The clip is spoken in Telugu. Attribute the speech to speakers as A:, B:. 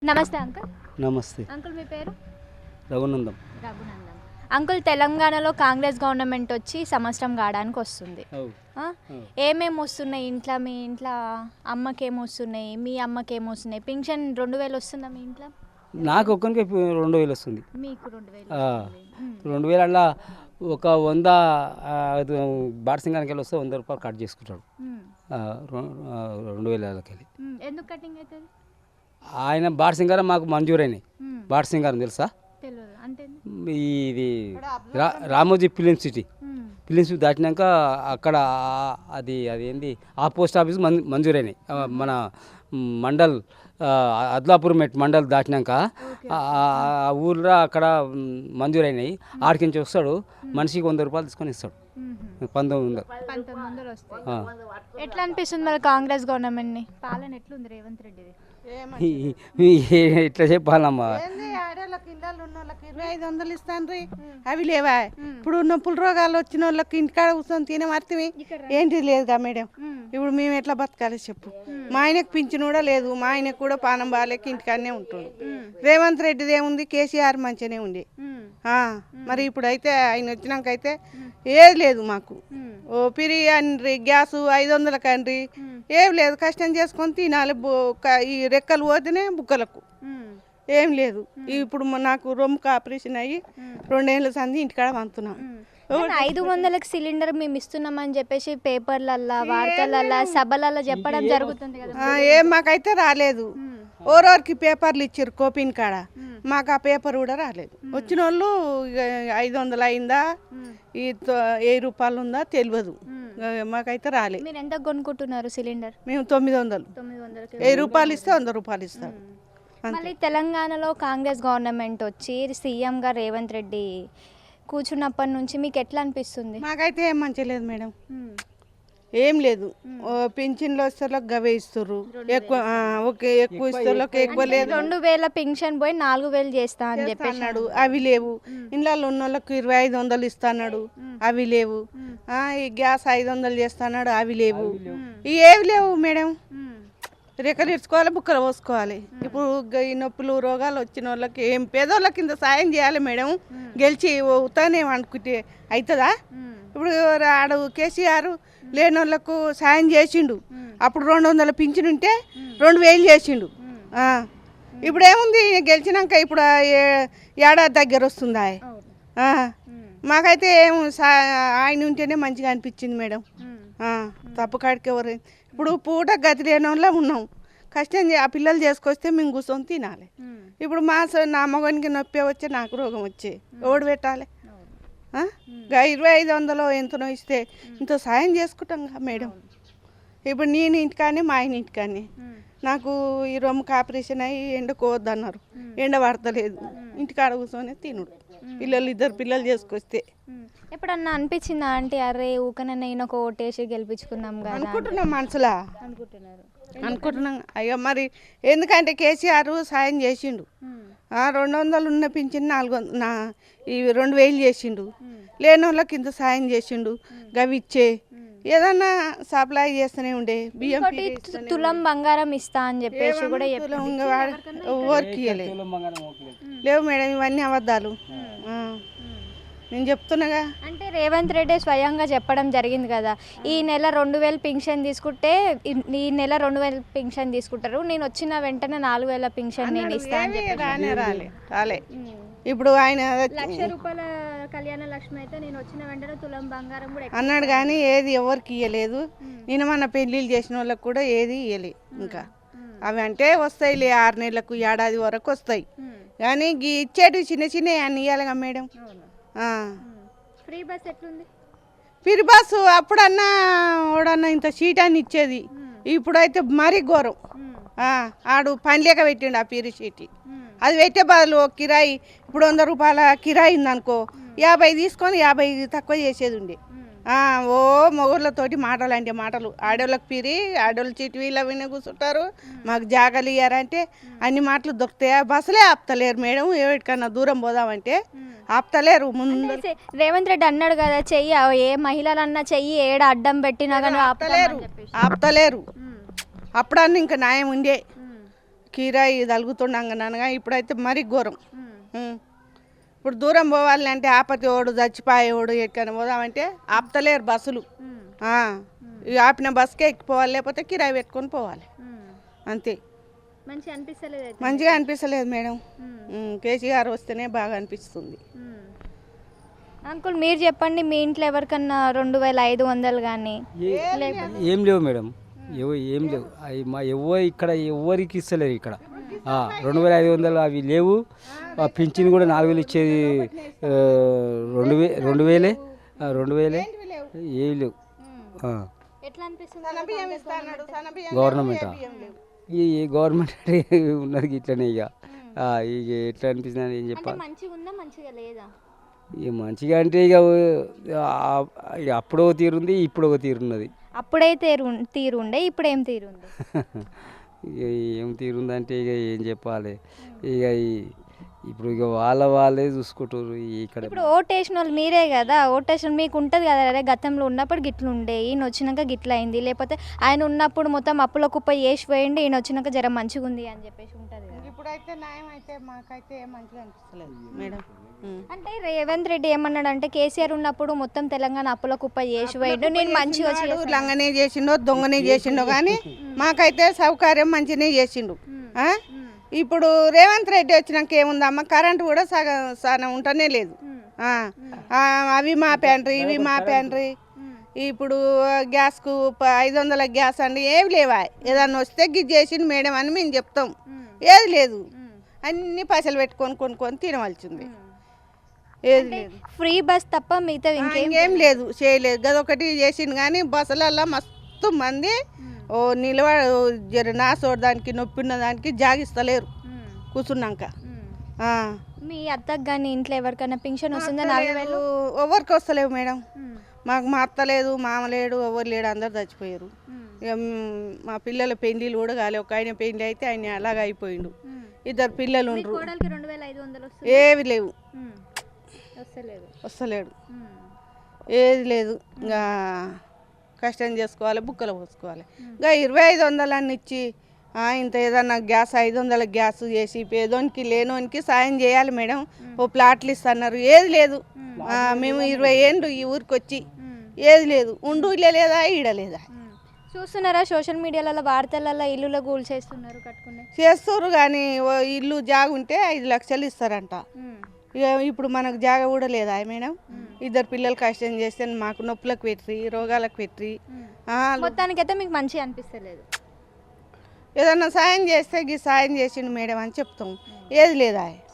A: నమస్తే అంకుల్.
B: నమస్తే.
A: అంకుల్ మీ పేరు?
B: రఘునందం.
A: రఘునందన్. అంకుల్, తెలంగాణలో కాంగ్రెస్ గవర్నమెంట్ వచ్చి సంవత్సరం కావడానికి వస్తుంది. ఏమేమి వస్తున్నాయి ఇంట్లో? మీ ఇంట్లో అమ్మకి ఏమొస్తున్నాయి, మీ అమ్మకి ఏమొస్తున్నాయి? పింఛన్ 2000 వస్తుందా మీ ఇంట్లో?
B: నాకు ఒక్కరికి 2000 వస్తుంది.
A: మీకు 2000?
B: 2000 అలా ఒక 100 బాటసింగానికి వెళ్ళి వస్తే 100 రూపాయలు కట్ చేసుకుంటాడు 2000
A: ఎందుకు కటింగ్ అవుతుంది?
B: ఆయన బాటసింగారం మాకు మంజూరైనాయి. బాటసింగారం తెలుసా?
A: తెలియదు. అంటే
B: ఇది రామోజీ ఫిలిం సిటీ దాటినాక అక్కడ అది ఏంది ఆ పోస్ట్ ఆఫీస్ మంజూరైనాయి. మన మండల్ అద్లాపూర్ మెట్ మండల్ దాటినాక ఆ ఊర్లో అక్కడ మంజూరైనాయి. ఆడికి నుంచి వస్తాడు, మనిషికి 100 రూపాయలు తీసుకొని ఇస్తాడు.
A: 1900 వస్తాయి. ఎట్లా అనిపిస్తుంది మరి కాంగ్రెస్ గవర్నమెంట్ని పాలన? ఎట్లుంది రేవంత్ రెడ్డిది?
B: ఇట్లా చెప్పాలమ్మా.
C: ఆడవాళ్ళకి ఇళ్ళల్లో ఉన్న వాళ్ళకి 2500 ఇస్తాను. అవి లేవా? ఇప్పుడు నొప్పుల రోగాలు వచ్చిన వాళ్ళకి ఇంటికాడ కూర్చొని తినే మర్తివి ఏంటి లేదుగా మేడం. ఇప్పుడు మేము ఎట్లా బతకాలి చెప్పు? మా ఆయనకు పింఛను కూడా లేదు. మా ఆయనకు కూడా పానం బాగాలేక ఇంటికాడనే ఉంటుండు. రేవంత్ రెడ్డిది ఏముంది? కేసీఆర్ మంచిగానే ఉంది. మరి ఇప్పుడు అయితే ఆయన వచ్చినాక అయితే ఏది లేదు మాకు. ఓ పిరి అండ్రి, గ్యాసు 500 కండ్రి, ఏం లేదు. కష్టం చేసుకొని తినాలి. ఈ రెక్కలు పోతేనే బుక్కలకు ఏం లేదు. ఇప్పుడు నాకు రొమ్ముకు ఆపరేషన్ అయ్యి 2 ఏళ్ళ సంది ఇంటికాడ వంతున్నాం.
A: 500కి సిలిండర్ మేము ఇస్తున్నామని చెప్పేసి పేపర్లల్లా, వార్తలల్లా, సభలల్లా చెప్పడం జరుగుతుంది కదా.
C: ఏం మాకైతే రాలేదు. ఓరోరికి పేపర్లు ఇచ్చారు కోపిన్ కాడ, మాకు ఆ పేపర్ కూడా రాలేదు. వచ్చిన వాళ్ళు 500 అయిందా, ఈ 1000 రూపాయలు ఉందా తెలియదు. మాకైతే రాలేదు.
A: మీరు ఎంత కొనుక్కుంటున్నారు సిలిండర్?
C: మేము 900. 1000 రూపాయలు ఇస్తే 100 రూపాయలు ఇస్తాం.
A: మళ్ళీ తెలంగాణలో కాంగ్రెస్ గవర్నమెంట్ వచ్చి సీఎంగా రేవంత్ రెడ్డి కూర్చున్నప్పటి నుంచి మీకు ఎట్లా అనిపిస్తుంది?
C: మాకైతే ఏం మంచిగా లేదు మేడం. ఏం లేదు. పింఛన్లు వస్తే గవే ఇస్తారు. ఎక్కువ ఇస్తారు, ఎక్కువ లేదు.
A: 2000 పింఛన్ పోయి 4000 చేస్తా అని చెప్పి
C: అన్నాడు. అవి లేవు. ఇళ్ళల్లో ఉన్న వాళ్ళకి 2500 ఇస్తాడు. అవి లేవు. ఈ గ్యాస్ 500 చేస్తాడు. అవి లేవు. ఏవి లేవు మేడం. రెక్కలు ఇడ్చుకోవాలి, బుక్కలు పోసుకోవాలి. ఇప్పుడు ఈ నొప్పులు రోగాలు వచ్చిన వాళ్ళకి ఏం పేదోళ్ళకి ఇంత సాయం చేయాలి మేడం. గెలిచి అవుతానే అనుకుంటే అవుతుందా? ఇప్పుడు ఆడు కేసీఆర్ లేని వాళ్ళకు సాయం చేసిండు. అప్పుడు 200 పింఛన్ ఉంటే 2000 చేసిండు. ఇప్పుడు ఏముంది? గెలిచినాక ఇప్పుడు ఏడాది దగ్గర వస్తుందా? మాకైతే ఏం ఆయన ఉంటేనే మంచిగా అనిపించింది మేడం. తప్పు కాడికి ఎవరు ఇప్పుడు పూట గతి లేని వాళ్ళ ఉన్నాం. కష్టం ఆ పిల్లలు చేసుకొస్తే మేము కూర్చొని తినాలి. ఇప్పుడు నా మగనికి నొప్పి వచ్చే, నాకు రోగం వచ్చే ఎవడు పెట్టాలి? 2500 ఎంతనో ఇస్తే ఇంత సాయం చేసుకుంటాం కదా మేడం. ఇప్పుడు నేను ఇంటికానే, మా ఆయన ఇంటికానే. నాకు ఈ రొమ్ముకి ఆపరేషన్ అయ్యి ఎండకోవద్దన్నారు. ఎండ పడతలేదు. ఇంటికాడ కూర్చొని తినుడు. పిల్లలు 2 పిల్లలు చేసుకొస్తే
A: ఎప్పుడన్నా అనిపించిందా అంటే అరే ఊకనన్నా ఈయన ఒక ఓటేసి గెలిపించుకుందాం కదా
C: అనుకుంటున్నాం మనసులా? అనుకుంటున్నాం. అయ్యో మరి ఎందుకంటే కేసీఆర్ సాయం చేసిండు. 200 ఉన్న పింఛన్ 2000 చేసిండు. లేని వాళ్ళకి ఇంత సాయం చేసిండు. గవి ఇచ్చే ఏదన్నా సప్లై చేస్తూనే ఉండే. బియ్యం
A: తులం బంగారం ఇస్తా అని చెప్పేసి కూడా
C: ఓరికి లేవు మేడం. ఇవన్నీ అబద్ధాలు. నేను చెప్తున్నాగా.
A: అంటే రేవంత్ రెడ్డి స్వయంగా చెప్పడం జరిగింది కదా, ఈ నెల 2000 పింఛన్ తీసుకుంటే ఈ నెల 2000 పింఛన్ తీసుకుంటారు, నేను వచ్చిన వెంటనే 4000 పింఛన్ నేను ఇస్తాను.
C: రాలే. ఇప్పుడు ఆయన
A: 1,00,000 రూపాయల కళ్యాణ లక్ష్మి అయితే నేను వచ్చిన వెంటనే తులం బంగారం కూడా
C: అన్నాడు. కానీ ఏది ఎవరికి ఇవ్వలేదు. నేను మన పెళ్ళిళ్ళు చేసిన వాళ్ళకి కూడా ఏది ఇవ్వలేదు. ఇంకా అవి అంటే వస్తాయిలే, 6 నెలలకు ఏడాది వరకు వస్తాయి. కానీ ఇచ్చేటివి చిన్న చిన్న అన్ని ఇవ్వాలిగా మేడం.
A: ఫ్రీ బస్ ఎట్లుంది?
C: ఫ్రీ బస్సు అప్పుడన్నా ఓడన్నా ఇంత సీట్ అని ఇచ్చేది. ఇప్పుడైతే మరీ ఘోరం. ఆడు పని లేక పెట్టిండు ఆ పీరు సీట్. అది పెట్టే బదులు కిరాయి ఇప్పుడు 100 రూపాయల కిరాయి ఉందనుకో, 50 తీసుకొని 50 తక్కువ చేసేది ఉండే. ఓ మొగుళ్ళతోటి మాటలు అంటే మాటలు. ఆడోళ్ళకి పిరి, ఆడోళ్ళు చీటి వీళ్ళ విని కూర్చుంటారు. మాకు జాగాలు ఇయ్యారంటే అన్ని మాటలు దొరుకుతాయా? బస్సులే ఆపుతలేరు మేడం. ఎవరికన్నా దూరం పోదామంటే ఆపుతలేరు. ముందు
A: రేవంత్ రెడ్డి అన్నాడు కదా, చెయ్యి ఏ మహిళలన్నా చెయ్యి ఏడ అడ్డం పెట్టినా కానీ
C: ఆపుతలేరు. అప్పుడన్నా ఇంకా న్యాయం ఉండే. కిరాయి తలుగుతుండగా ఇప్పుడైతే మరీ ఘోరం. ఇప్పుడు దూరం పోవాలంటే ఆపతోడు చచ్చిపోయేవాడు ఎక్కడికైనా పోదామంటే ఆపుతలేరు బస్సులు. ఈ ఆపిన బస్కే ఎక్కిపోవాలి, లేకపోతే కిరాయి పెట్టుకొని పోవాలి అంతే. మంచిగా అనిపిస్తలేదు మేడం. కేసీఆర్ వస్తేనే బాగా అనిపిస్తుంది.
A: అంకుల్ మీరు చెప్పండి, మీ ఇంట్లో ఎవరికన్నా 2500 కానీ
B: ఏం లేవు మేడం, ఏం లేవు. అవి మా ఇక్కడ ఎవరికి ఇస్తలేరు ఇక్కడ. 2500 అవి లేవు. పింఛన్ కూడా 4000 ఇచ్చేది 2000 ఏవి లేవు. గవర్నమెంట్ ఈ గవర్నమెంట్ ఉన్నది ఇట్లనే. ఇక ఎట్లా అనిపిస్తుంది ఏం చెప్పాలి. ఇక మంచిగా అంటే ఇక అప్పుడో తీరుంది, ఇప్పుడు ఒక తీరున్నది.
A: అప్పుడే తీరుండే, ఇప్పుడేం తీరుంది?
B: ఇక ఏం తీరుందంటే ఇక ఏం చెప్పాలి. ఇక ఇప్పుడు ఇక వాళ్ళే చూసుకుంటారు. ఇక్కడ
A: ఇప్పుడు ఓటేసిన వాళ్ళు మీరే కదా, ఓటేసిన మీకు ఉంటుంది కదా, అదే గతంలో ఉన్నప్పుడు గిట్లు ఉండే, ఈయన వచ్చినాక గిట్ల అయింది, లేకపోతే ఆయన ఉన్నప్పుడు మొత్తం అప్పుల కుప్ప వేసి పోయింది, ఈయన వచ్చినాక జర మంచిగా ఉంది అని చెప్పేసి ఉంటుంది కదా.
C: ఇప్పుడైతే న్యాయం అయితే మాకైతే మంచిగా అనిపిస్తలేదు మేడం.
A: అంటే రేవంత్ రెడ్డి ఏమన్నాడంటే కేసీఆర్ ఉన్నప్పుడు మొత్తం తెలంగాణ అప్పుల కుప్ప చేసి పోయిండు, నేను మంచిగా వచ్చి
C: లంగనే చేసిండో దొంగనే చేసిండో కానీ మాకైతే సౌకర్యం మంచిగానే చేసిండు. ఇప్పుడు రేవంత్ రెడ్డి వచ్చినాక ఏముందమ్మా, కరెంటు కూడా సగం ఉంటనే లేదు. అవి మా ప్యాంట్రీ, ఇవి మా ప్యాంట్రీ. ఇప్పుడు గ్యాస్కు 500 గ్యాస్ అండి ఏవి లేవా, ఏదన్నా వస్తే గిజ్ చేసిండు మేడం అని మేము చెప్తాం. ఏది లేదు, అన్ని పైసలు పెట్టుకొని కొనుక్కొని తినవలసింది. ఏది లేదు,
A: ఫ్రీ బస్ తప్ప మిగతా
C: ఇంకేం లేదు, చేయలేదు. గదొకటి చేసిండు కానీ బస్సులల్లో మస్తు మంది జర నాసోడడానికి నొప్పి ఉన్న దానికి జాగిస్తలేరు కూర్చున్నాక.
A: మీ అత్తకు కానీ ఇంట్లో ఎవరికైనా పింఛన్ వస్తుందా? 4000
C: ఎవరికి వస్తలేవు మేడం. మాకు మా అత్త లేదు, మామ లేడు, ఎవరు లేడు, అందరు చచ్చిపోయారు. ఇక మా పిల్లల పెళ్లిళ్ళు కూడా కాలే. ఒక ఆయన పెళ్లి అయితే ఆయన అలాగ అయిపోయిండు. 2 పిల్లలు ఉండరు. ఏవి లేవు, వస్తలేడు, ఏది లేదు. ఇంకా కష్టం చేసుకోవాలి, బుక్కలు పోసుకోవాలి. ఇంకా 2500 అన్ని ఇచ్చి ఇంత ఏదన్నా గ్యాస్ 500 గ్యాస్ చేసి పేదోనికి లేనోనికి సాయం చేయాలి మేడం. ఓ ప్లాట్లు ఇస్తున్నారు, ఏది లేదు. మేము 20 ఏళ్ళు ఈ ఊరికి వచ్చి ఏది లేదు, ఉండు లేదా ఈడలేదా.
A: చూస్తున్నారా సోషల్ మీడియాలలో వార్తలలో ఇల్లులో గూల్ చేస్తున్నారు,
C: చేస్తారు కానీ ఇల్లు జాగుంటే 5 లక్షలు ఇస్తారంట. ఇక ఇప్పుడు మనకు జాగ కూడా లేదా మేడం. 2 పిల్లలు కష్టం చేస్తే మాకు నొప్పులకు పెట్టి రోగాలకు పెట్టి
A: మొత్తానికైతే మీకు మంచిగా అనిపిస్తలేదు.
C: ఏదన్నా సాయం చేస్తే సాయం చేసిండు మేడం అని చెప్తాం, ఏది లేదా.